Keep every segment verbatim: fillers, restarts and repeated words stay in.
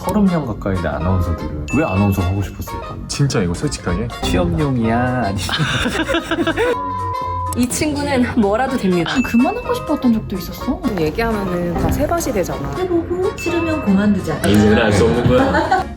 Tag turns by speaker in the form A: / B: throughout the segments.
A: 서른 명 가까이 된 아나운서들은 왜 아나운서 하고 싶었을까?
B: 진짜 이거 솔직하게
A: 취업용이야? 아니면
C: 이 친구는 뭐라도 됩니다.
D: 그만하고 싶었던 적도 있었어.
C: 얘기하면은 다 세밭이 되잖아.
E: 해보고 싫으면 그만두자.
A: 인생을 알 수 없는 거야.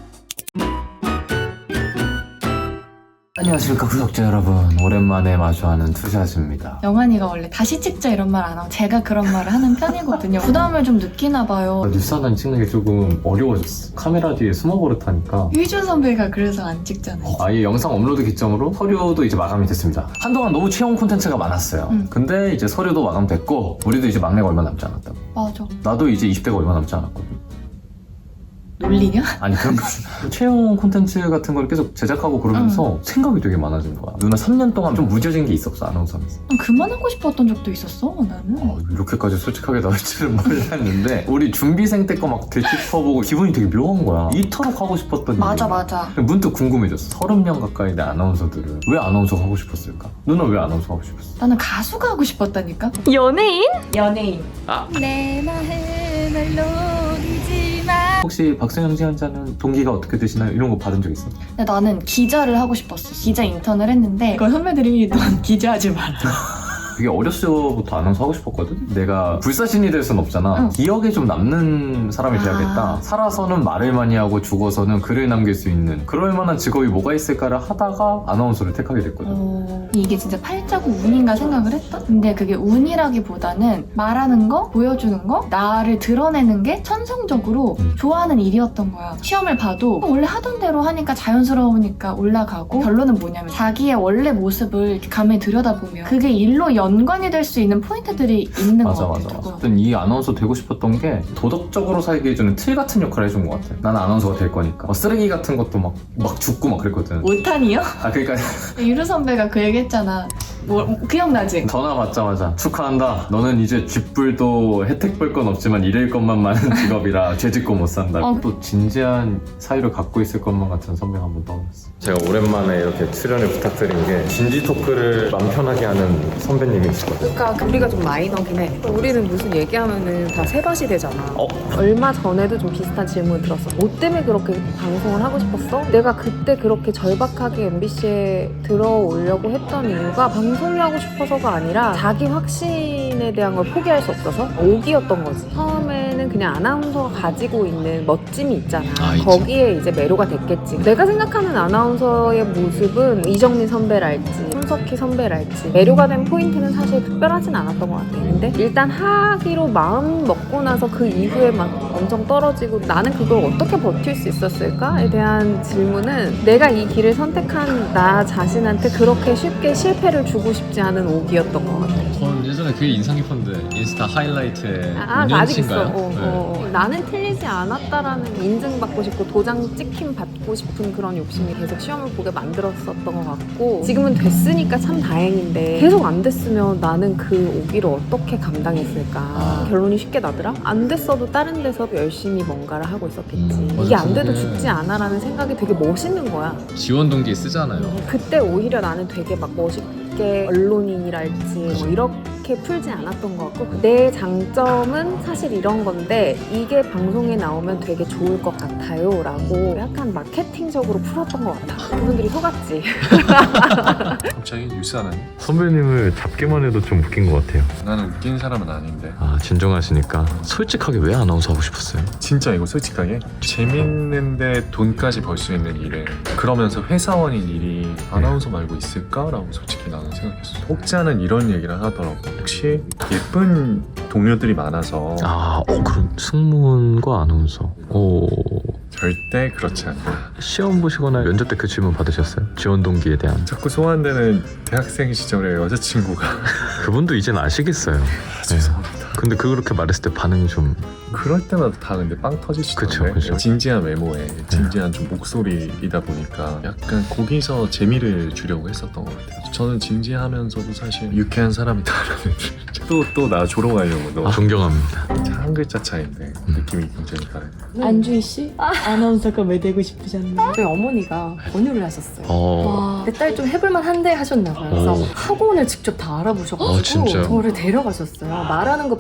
A: 안녕하십니까 구독자 여러분, 오랜만에 마주하는 투샷입니다.
D: 영환이가 원래 다시 찍자 이런 말 안 하고 제가 그런 말을 하는 편이거든요. 부담을 좀 느끼나 봐요.
A: 뉴스 하나 찍는 게 조금 어려워졌어. 카메라 뒤에 숨어버릇하니까
D: 유준 선배가 그래서 안 찍잖아요.
A: 아예 영상 업로드 기점으로 서류도 이제 마감이 됐습니다. 한동안 너무 채용 콘텐츠가 많았어요.
D: 응.
A: 근데 이제 서류도 마감됐고 우리도 이제 막내가 얼마 남지 않았다고.
D: 맞아.
A: 나도 이제 이십 대가 얼마 남지 않았거든.
D: 놀리냐?
A: 아니 그런 거 채용 콘텐츠 같은 걸 계속 제작하고 그러면서
D: 응.
A: 생각이 되게 많아진 거야. 누나 삼 년 동안 좀 무뎌진 게 있었어, 아나운서면서.
D: 그만하고 싶었던 적도 있었어 나는.
A: 어, 이렇게까지 솔직하게 나올 줄은 몰랐는데 우리 준비생 때 거 막 되짚어보고 기분이 되게 묘한 거야. 이토록 하고 싶었던
D: 맞아
A: 일이.
D: 맞아.
A: 문득 궁금해졌어. 서른 명 가까이 된 아나운서들은 왜 아나운서 하고 싶었을까? 누나 왜 아나운서 하고 싶었어?
D: 나는 가수가 하고 싶었다니까.
C: 연예인?
D: 연예인.
A: 아.
D: 내 마음을 녹이지 마.
A: 혹시 박승영 지원자는 동기가 어떻게 되시나요? 이런 거 받은 적 있어?
D: 근데 나는 기자를 하고 싶었어. 기자 인턴을 했는데 그 선배들이 넌 기자하지 마라.
A: 되게 어렸을 때부터 아나운서 하고 싶었거든? 내가 불사신이 될 순 없잖아.
D: 응.
A: 기억에 좀 남는 사람이 돼야겠다.
D: 아.
A: 살아서는 말을 많이 하고 죽어서는 글을 남길 수 있는 그럴 만한 직업이 뭐가 있을까를 하다가 아나운서를 택하게 됐거든.
D: 어... 이게 진짜 팔자고 운인가 생각을 했다? 근데 그게 운이라기보다는 말하는 거, 보여주는 거, 나를 드러내는 게 천성적으로
A: 음.
D: 좋아하는 일이었던 거야. 시험을 봐도 원래 하던 대로 하니까 자연스러우니까 올라가고, 결론은 뭐냐면 자기의 원래 모습을 이렇게 가만히 들여다보면 그게 일로 연관이 될 수 있는 포인트들이 있는
A: 맞아
D: 것
A: 맞아
D: 같아.
A: 맞아. 하여튼 이 아나운서 되고 싶었던 게 도덕적으로 살게 해주는 틀 같은 역할을 해준 것 같아. 나는 아나운서가 될 거니까. 막 쓰레기 같은 것도 막, 막 죽고 막 그랬거든.
D: 오탄이요?
A: 아 그러니까
D: 유루 선배가 그 얘기 했잖아. 뭐, 기억나지?
A: 전화 받자마자 축하한다. 너는 이제 쥐뿔도 혜택 볼 건 없지만 잃을 것만 많은 직업이라 죄짓고 못 산다.
D: 어.
A: 또 진지한 사유를 갖고 있을 것만 같은 선배가 한번 떠올랐어. 제가 오랜만에 이렇게 출연을 부탁드린 게 진지 토크를 맘 편하게 하는 선배님이시거든요.
C: 그러니까 우리가 좀 마이너긴 해. 우리는 무슨 얘기하면은 다 세밭이 되잖아.
A: 어?
C: 얼마 전에도 좀 비슷한 질문을 들었어. 뭐 때문에 그렇게 방송을 하고 싶었어? 내가 그때 그렇게 절박하게 엠비씨에 들어오려고 했던 이유가 방송을 하고 싶어서가 아니라 자기 확신에 대한 걸 포기할 수 없어서 오기였던 거지. 처음에는 그냥 아나운서가 가지고 있는 멋짐이 있잖아.
A: 아, 있죠.
C: 거기에 이제 매료가 됐겠지. 내가 생각하는 아나운서의 모습은 이정민 선배랄지 손석희 선배랄지 매료가 된 포인트는 사실 특별하진 않았던 것 같아. 근데 일단 하기로 마음 먹고 나서 그 이후에 막 엄청 떨어지고 나는 그걸 어떻게 버틸 수 있었을까에 대한 질문은 내가 이 길을 선택한 나 자신한테 그렇게 쉽게 실패를 주고 싶지 않은 오기였던 것 같아.
F: 전 예전에 그게 인상 깊었는데 인스타 하이라이트에
C: 아, 아직 있어.
F: 운영치인가요?
C: 어,
F: 네.
C: 어. 나는 틀리지 않았다라는 인증받고 싶고 도장 찍힘 받고 싶은 그런 욕심이 계속 시험을 보게 만들었었던 것 같고 지금은 됐으니까 참 다행인데 계속 안 됐으면 나는 그 오기를 어떻게 감당했을까.
A: 아.
C: 결론이 쉽게 나더라. 안 됐어도 다른 데서 열심히 뭔가를 하고 있었겠지.
F: 음, 맞아.
C: 이게 안 돼도
F: 그게-
C: 죽지 않아라는 생각이 되게 멋있는 거야.
F: 지원 동기 쓰잖아요.
C: 그때 오히려 나는 되게 막 멋있게 언론인이랄지 뭐 이렇게 풀지 않았던 것 같고 내 장점은 사실 이런 건데 이게 방송에 나오면 되게 좋을 것 같아요 라고 약간 마케팅적으로 풀었던 것 같아. 그분들이 속았지.
B: 갑자기 뉴스 하나니?
A: 선배님을 잡기만 해도 좀 웃긴 것 같아요.
B: 나는 웃긴 사람은 아닌데
A: 아 진정하시니까 솔직하게 왜 아나운서 하고 싶었어요?
B: 진짜 이거 솔직하게 재밌는데 돈까지 벌 수 있는 일에 그러면서 회사원인 일이 아나운서 말고 있을까라고 솔직히 나는 생각했어. 혹자는 이런 얘기를 하더라고. 혹시 예쁜 동료들이 많아서
A: 아, 어, 그럼 승무원과 아나운서. 오.
B: 절대 그렇지 않다.
A: 시험 보시거나 면접 때 그 질문 받으셨어요? 지원 동기에 대한.
B: 자꾸 소환되는 대학생 시절의 여자친구가
A: 그분도 이젠 아시겠어요.
B: 아, 죄송합니다.
A: 근데 그렇게 말했을 때 반응이 좀.
B: 그럴 때마다 다 근데 빵 터지시던데.
A: 그쵸, 그쵸.
B: 진지한 외모에 진지한 좀 목소리이다 보니까 약간 거기서 재미를 주려고 했었던 것 같아요. 저는 진지하면서도 사실 유쾌한 사람이다라는 또 또 나 조롱하려고 너
A: 아, 존경합니다.
B: 한 글자 차이인데 느낌이 굉장히 다르네.
E: 안주희 씨? 아나운서가 왜 되고 싶으셨나요?
G: 저희 어머니가 권유를 하셨어요.
A: 어.
G: 내 딸 좀 해볼만 한데 하셨나 봐요. 그래서
A: 오.
G: 학원을 직접 다 알아보셔가지고
A: 어, 진짜요?
G: 저를 데려가셨어요. 말하는 거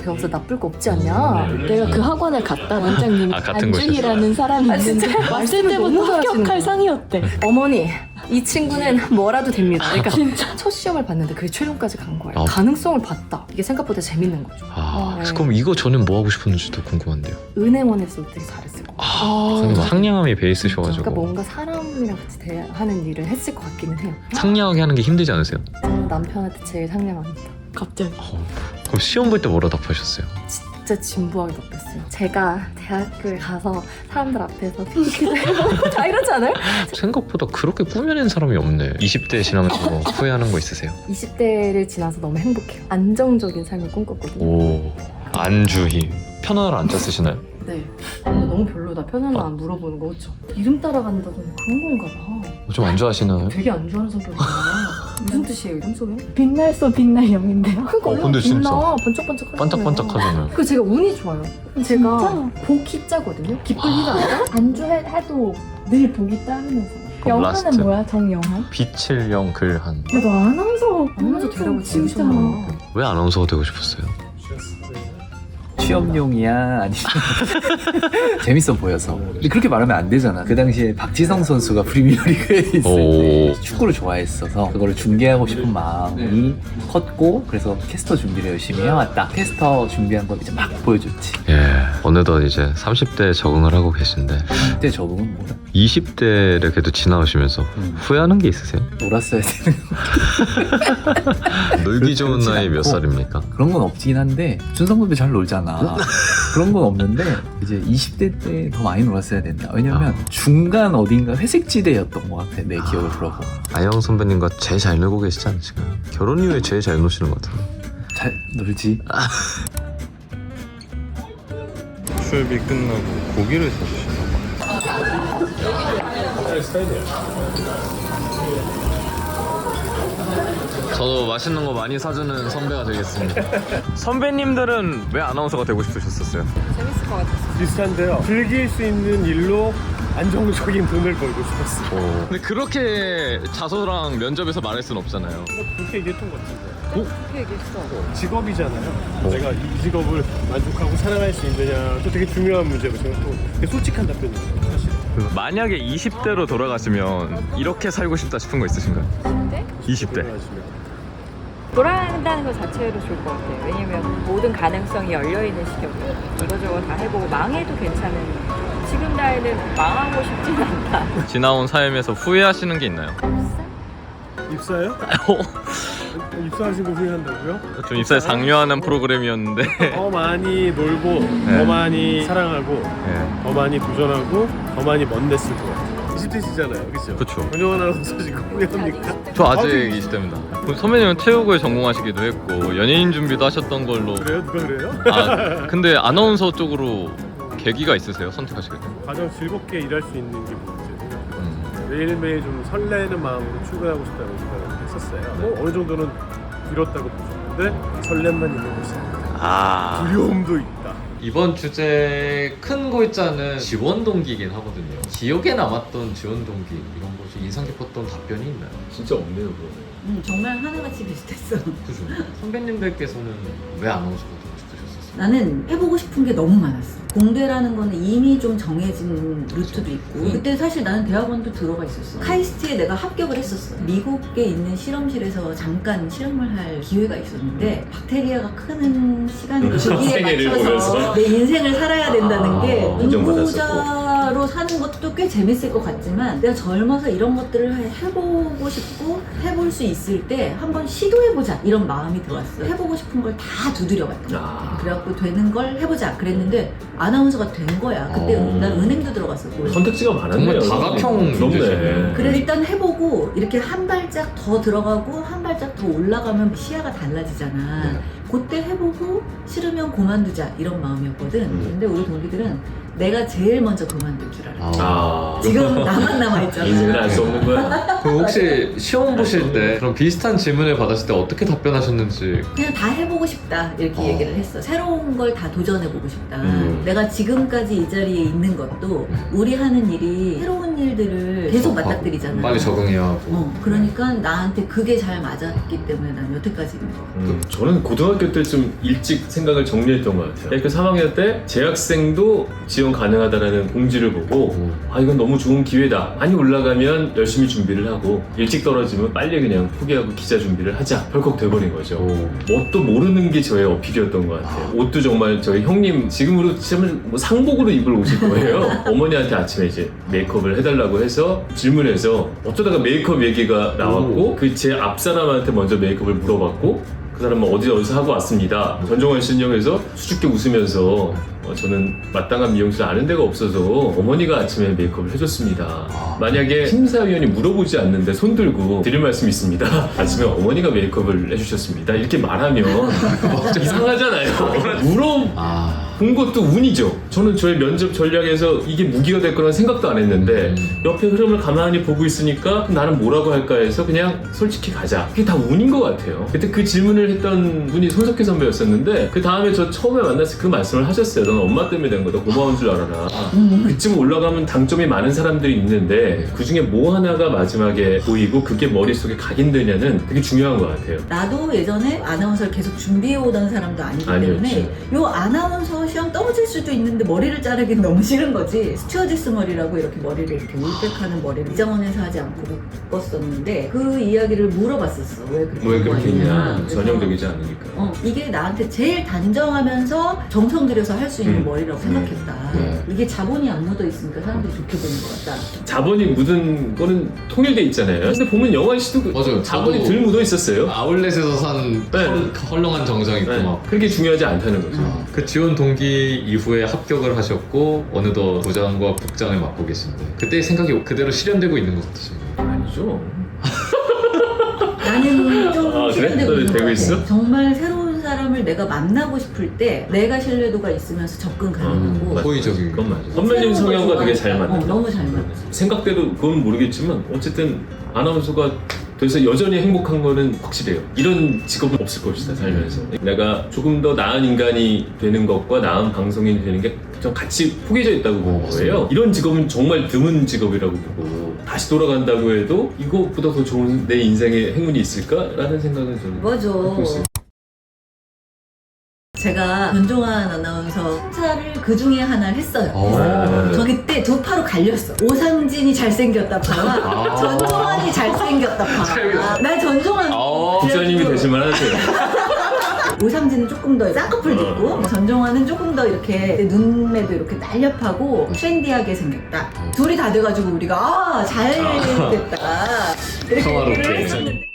G: 배워서 나쁠 거 없지 않냐. 내가 그 학원을 갔다 원장님이
F: 아, 같은 곳이었어요?
G: 안주희라는 사람이
C: 아,
G: 있는데
C: 진짜요?
G: 왔을 때부터 합격할 상이었대. 어머니 이 친구는 뭐라도 됩니다. 그러니까 진짜 첫 시험을 봤는데 그게 최종까지 간 거예요.
F: 아.
G: 가능성을 봤다. 이게 생각보다 재밌는 거죠.
F: 아,
G: 네.
F: 그럼 이거 저는 뭐 하고 싶었는지도 궁금한데요.
G: 은행원에서 되게 잘했을 것 같아요.
F: 아, 선생님 상냥함이 베이스셔가지고
G: 그러니까 뭔가 사람이랑 같이 대하는 일을 했을 것 같기는 해요.
F: 상냥하게 하는 게 힘들지 않으세요?
G: 저는 남편한테 제일 상냥합니다. 갑자기
F: 어, 그럼 시험 볼 때 뭐라 답하셨어요?
G: 진짜 진부하게 답했어요. 제가 대학교에 가서 사람들 앞에서 피키도 해보고 다 이러지 않아요?
F: 생각보다 그렇게 꾸며낸 사람이 없네. 이십 대 지나면서 뭐 후회하는 거 있으세요?
G: 이십 대를 지나서 너무 행복해요. 안정적인 삶을 꿈꿨거든요.
F: 오, 안주희 편안을 안 짰으시나요?
G: 네. 근데 너무 별로다. 편안한 안 물어보는 거 그렇죠? 이름 따라간다더니 그런 건가 봐.
F: 좀 안 좋아하시나요?
G: 되게 안 좋아하는 성격이구나. 무슨 뜻이에요 이름 속에?
E: 빛날소 빛날 영인데요.
G: 그러니까
F: 어,
G: 얼마나
F: 근데 진짜.
G: 빛나. 번쩍번쩍
F: 반짝반짝하잖아요.
G: 그 제가 운이 좋아요. 제가
E: 진짜?
G: 복희 자거든요. 기쁠 리가 아니라.
E: 안주해도 늘 복이 따르면서.
F: 그럼 라스트.
E: 영화는 뭐야? 정영한?
F: 빛을 영 글한.
E: 야, 너 아나운서
G: 아나운서 되라고
E: 진짜.
G: 지으셨나?
F: 왜 아나운서가 되고 싶었어요?
H: 취업용이야 아니면 재밌어 보여서. 근데 그렇게 말하면 안 되잖아. 그 당시에 박지성 선수가 프리미어리그에 있을 때
F: 오.
H: 축구를 좋아했어서 그거를 중계하고 싶은 마음이 컸고, 그래서 캐스터 준비를 열심히 해왔다. 캐스터 준비한 걸 이제 막 보여줬지.
F: 예, 어느덧 이제 삼십 대에 적응을 하고 계신데
H: 그때 적응은 뭐야?
F: 이십 대를 그래도 지나오시면서
H: 음.
F: 후회하는 게 있으세요?
H: 놀았어야 되는
F: 놀기 좋은
H: 그렇진
F: 나이 몇
H: 않고.
F: 살입니까?
H: 그런 건 없긴 한데 준성군도 잘 놀잖아. 그런 건 없는데 이제 이십 대 때 더 많이 놀았어야 된다. 왜냐면
F: 아.
H: 중간 어딘가 회색지대였던 것 같아. 내 기억을 들어보면.
F: 아영 선배님과 제일 잘 놀고 계시지 않으실까요? 결혼 이후에 제일 잘 노시는 것 같아요.
H: 잘 놀지.
A: 수업이 끝나고 고기를 사주시나 봐.
F: 저도 맛있는 거 많이 사주는 선배가 되겠습니다.
A: 선배님들은 왜 아나운서가 되고 싶으셨었어요?
C: 재밌을 것 같았어.
I: 비슷한데요. 즐길 수 있는 일로 안정적인 돈을 벌고 싶었어요.
F: 근데 그렇게 자소랑 면접에서 말할 순 없잖아요.
I: 그렇게 얘기했던 것 같은데.
C: 그렇게 얘기했어.
I: 직업이잖아요. 내가 이 직업을 만족하고 사랑할 수 있느냐, 또 되게 중요한 문제고 생각하고 되게 솔직한 답변이에요, 사실.
A: 만약에 이십 대로 돌아가시면 이렇게 살고 싶다 싶은 거 있으신가요? 이십 대.
J: 돌아간다는 것 자체로 좋을 것 같아요. 왜냐면 모든 가능성이 열려있는 시기였고 이거저거 다 해보고 망해도 괜찮은, 지금 나이는 망하고 싶진 않다.
A: 지나온 삶에서 후회하시는 게 있나요?
I: 입사요? 입사하신 거 후회한다고요?
A: 좀 입사에 장려하는 프로그램이었는데
I: 더 많이 놀고,
A: 네.
I: 더 많이 사랑하고,
A: 네.
I: 더 많이 도전하고, 더 많이 먼 냈을 것 같아요. 이십 대시잖아요, 그죠?
A: 그쵸.
I: 권영원 아나운서 지금 후회합니까?
A: 저 아직 이십 대입니다. 선배님은 체육을 전공하시기도 했고 연예인 준비도 하셨던 걸로.
I: 그래요? 누가 그래요?
A: 아, 근데 아나운서 쪽으로 계기가 있으세요? 선택하시게 된?
I: 가장 즐겁게 일할 수 있는 게 뭔지 생각해요.
A: 음.
I: 매일매일 좀 설레는 마음으로 출근하고 싶다는 생각을 했었어요. 뭐 어느 정도는 이뤘다고 보셨는데 설렘만 있는 곳이 아니다.
A: 아.
I: 두려움도 있다.
F: 이번 주제 큰 골자는 지원 동기이긴 하거든요. 기억에 남았던 지원 동기 이런 것이 인상 깊었던 답변이 있나요?
B: 진짜 없네요 그거는.
K: 음, 정말 하나같이 비슷했어.
F: 그죠. 선배님들께서는 왜 아나운서가 되고 싶으셨었어요?
K: 나는 해보고 싶은 게 너무 많았어. 공대라는 거는 이미 좀 정해진 루트도 있고,
F: 음.
K: 그때 사실 나는 대학원도 들어가 있었어. 카이스트에 내가 합격을 했었어. 미국에 있는 실험실에서 잠깐 실험을 할 기회가 있었는데 박테리아가 크는 시간이 거기에 맞춰서 내 인생을 살아야 된다는 게 연구자로 사는 것도 꽤 재밌을 것 같지만, 내가 젊어서 이런 것들을 해보고 싶고 해볼 수 있을 때 한번 시도해보자 이런 마음이 들어왔어. 해보고 싶은 걸 다 두드려봤던 것 같아. 그래갖고 되는 걸 해보자 그랬는데 아나운서가 된 거야. 그때
F: 어.
K: 난 은행도 들어갔었고.
B: 선택지가 많았네요.
F: 정말 다각형
B: 그렇네.
K: 그래 일단 해보고 이렇게 한 발짝 더 들어가고 한 발짝 더 올라가면 시야가 달라지잖아. 그때 해보고 싫으면 그만두자 이런 마음이었거든. 근데 우리 동기들은 내가 제일 먼저 그만둘 줄 알았어.
B: 아.
K: 지금 나만 남아있잖아.
B: 인생을 알 수 없는 거야.
F: 그럼 혹시 시험 보실 때 그런 비슷한 질문을 받았을 때 어떻게 답변하셨는지.
K: 그냥 다 해보고 싶다 이렇게
F: 어.
K: 얘기를 했어. 새로운 걸 다 도전해보고 싶다.
B: 음.
K: 내가 지금까지 이 자리에 있는 것도 우리 하는 일이 새로운 일들을 계속 맞닥뜨리잖아.
F: 빨리 적응해야 하고.
K: 어, 그러니까 나한테 그게 잘 맞았기 때문에 난 여태까지 있는 거.
I: 음, 저는 고등학교 때 좀 일찍 생각을 정리했던 것 같아요. 대학교 삼 학년 때 재학생도 지원 가능하다라는 공지를 보고 아 이건 너무 좋은 기회다. 많이 올라가면 열심히 준비를 하고 일찍 떨어지면 빨리 그냥 포기하고 기자 준비를 하자. 덜컥 돼버린 거죠. 뭣도 모르는 게 저의 어필이었던 것 같아요. 옷도 정말 저희 형님 지금으로 치면 뭐 상복으로 입을 옷일 거예요. 어머니한테 아침에 이제 메이크업을 해달라고 해서 질문해서 어쩌다가 메이크업 얘기가 나왔고 그 제 앞사람한테 먼저 메이크업을 물어봤고 그 사람은 어디 어디서 하고 왔습니다. 전종환 신영에서 수줍게 웃으면서 어, 저는 마땅한 미용실 아는 데가 없어서 어머니가 아침에 메이크업을 해줬습니다. 만약에 심사위원이 물어보지 않는데 손 들고 드릴 말씀이 있습니다. 아침에 어머니가 메이크업을 해주셨습니다. 이렇게 말하면 이상하잖아요. 물어본 것도 운이죠. 저는 저의 면접 전략에서 이게 무기가 될 거라는 생각도 안 했는데 옆에 흐름을 가만히 보고 있으니까 나는 뭐라고 할까 해서 그냥 솔직히 가자. 그게 다 운인 것 같아요. 그때 그 질문을 했던 분이 손석희 선배였었는데 그 다음에 저 처음에 만났을 때 그 말씀을 하셨어요. 넌 엄마 때문에 된 거다. 고마운 줄 알아라. 그쯤 올라가면 당점이 많은 사람들이 있는데 그 중에 뭐 하나가 마지막에 보이고 그게 머릿속에 각인되냐는 그게 중요한 것 같아요.
K: 나도 예전에 아나운서를 계속 준비해오던 사람도 아니기
B: 아니었지.
K: 때문에 요 아나운서 시험 떨어질 수도 있는데 머리를 자르긴 너무 싫은 거지. 스튜어디스 머리라고 이렇게 머리를 이렇게 울백하는 머리를 이장원에서 하지 않고 묶었었는데 그 이야기를 물어봤었어. 왜 그렇게,
I: 왜 그렇게 했냐.
K: 그래서
I: 전형적이지 않으니까.
K: 어, 이게 나한테 제일 단정하면서 정성 들여서 할 수 있는
I: 음.
K: 머리라고 생각했다.
I: 네.
K: 이게 자본이 안 묻어 있으니까 사람들이 좋게 보는 것 같다.
I: 자본이 묻은 거는 통일돼 있잖아요. 근데 보면 영환 씨도 그
F: 맞아요.
I: 자본이
F: 저도
I: 덜 묻어 있었어요.
F: 아울렛에서 산
I: 네.
F: 헐- 헐렁한 정성 있고
I: 네.
F: 막.
I: 그렇게 중요하지 않다는 거죠.
F: 아, 그 지원 동기 이후에 합격을 하셨고 어느덧 부장과 국장을 맡고 계신데 그때 생각이 그대로 실현되고 있는 것 같으신가요?
I: 아니죠.
K: 나는 좀
I: 아, 그래?
K: 실현되고 있는 것
I: 되고
K: 같아.
I: 있어?
K: 정말 새로운 사람을 내가 만나고 싶을 때 내가 신뢰도가 있으면서 접근 가능하고
I: 맞-
F: 호의적인.
I: 그건 맞아. 선배님 성향과 되게 잘 맞는
K: 어,
I: 거.
K: 너무 잘 맞아.
I: 생각대로 그건 모르겠지만 어쨌든 아나운서가 돼서 여전히 행복한 거는 확실해요. 이런 직업은 없을 것이다 살면서. 내가 조금 더 나은 인간이 되는 것과 나은 방송인이 되는 게 좀 같이 포개져 있다고 보는 거예요. 이런 직업은 정말 드문 직업이라고 보고 다시 돌아간다고 해도 이것보다 더 좋은 내 인생의 행운이 있을까라는 생각은 저는
K: 맞아.
I: 하고 있어요.
K: 제가 전종환 아나운서 심사를 그 중에 하나를 했어요.
F: 오.
K: 저 그때 두 파로 갈렸어. 오상진이 잘생겼다 파,
F: 아.
K: 전종환이 잘생겼다 파. 나 전종환.
F: 아.
I: 기자님이 되실만 하세요.
K: 오상진은 조금 더 쌍꺼풀 돋고 전종환은 조금 더 이렇게 눈매도 이렇게 날렵하고 트렌디하게 생겼다. 둘이 다 돼가지고 우리가 아, 잘 됐다 이렇게
F: 평화롭게.
K: 얘기를 했었는데